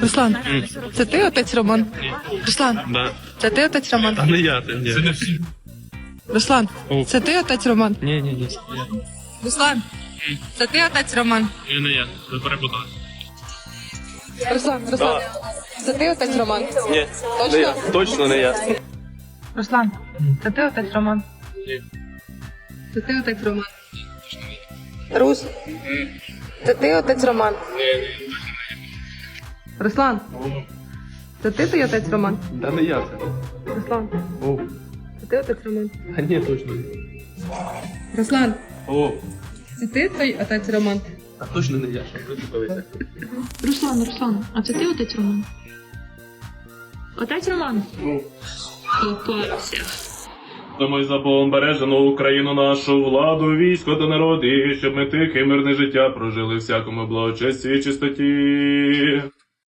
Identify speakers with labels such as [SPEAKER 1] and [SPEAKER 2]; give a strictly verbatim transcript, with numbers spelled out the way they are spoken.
[SPEAKER 1] Руслан, це ти отець Роман? Руслан,
[SPEAKER 2] Да.
[SPEAKER 1] це ти отець Роман?
[SPEAKER 2] А не я, ти ні.
[SPEAKER 1] Руслан,
[SPEAKER 2] О.
[SPEAKER 1] це ти отець Роман?
[SPEAKER 2] Ні, ні, ні.
[SPEAKER 1] Руслан, це ти отець Роман?
[SPEAKER 2] Ні, не я. Ви перепутали.
[SPEAKER 1] Руслан, Руслан, це ти отець Роман?
[SPEAKER 2] Ні.
[SPEAKER 1] Точно?
[SPEAKER 2] Не я. Точно не я.
[SPEAKER 1] Руслан, це ти отець Роман?
[SPEAKER 2] Ні.
[SPEAKER 1] Це ти отець Роман? Рус, це ти отець Роман? Руслан, це ти той отець Роман?
[SPEAKER 2] Та не я це.
[SPEAKER 1] Руслан,
[SPEAKER 2] О.
[SPEAKER 1] це ти отець Роман?
[SPEAKER 2] А ні, точно не.
[SPEAKER 1] Руслан,
[SPEAKER 2] О.
[SPEAKER 1] це ти той отець Роман?
[SPEAKER 2] А точно не я, що прицепилися.
[SPEAKER 3] Руслан, Руслан, а це ти отець Роман? Отець Роман? Попався.
[SPEAKER 2] Домой за Богом бережену Україну нашу, владу, військо та народ, і щоб ми тихе мирне життя прожили всякому благочесті і чистоті.